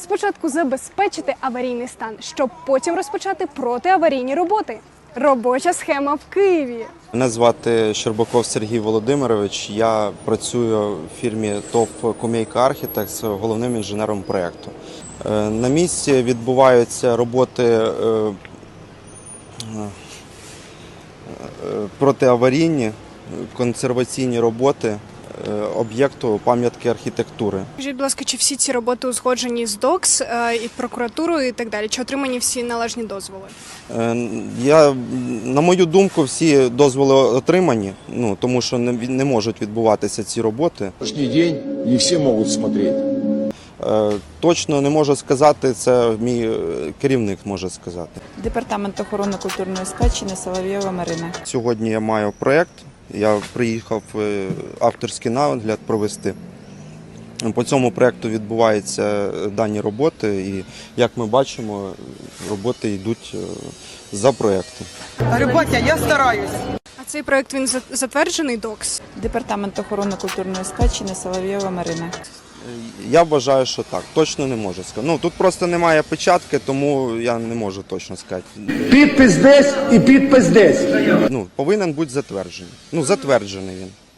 Спочатку забезпечити аварійний стан, щоб потім розпочати протиаварійні роботи. Робоча схема в Києві. Мене звати Щербаков Сергій Володимирович. Я працюю в фірмі ТОВ «Кумейка Архітектс» головним інженером проєкту. На місці відбуваються роботи протиаварійні, консерваційні роботи об'єкту пам'ятки архітектури. Скажіть, будь ласка, чи всі ці роботи узгоджені з ДОКС і прокуратурою і так далі? Чи отримані всі належні дозволи? На мою думку, всі дозволи отримані, тому що не можуть відбуватися ці роботи. Кожний день не всі можуть смотрети. Точно не можу сказати, це мій керівник може сказати. Департамент охорони культурної спадщини Соловйова Марина. Сьогодні я маю проєкт, я приїхав авторський нагляд провести. По цьому проєкту відбуваються дані роботи і, як ми бачимо, роботи йдуть за проєктом. Батя, я стараюсь. А цей проєкт, він затверджений ДОКС? Департамент охорони культурної спадщини Соловйова Марина. Я вважаю, що так. Точно не можу сказати. Тут просто немає печатки, тому я не можу точно сказати. Підпис десь і підпис десь. Повинен бути затверджений. Затверджений він.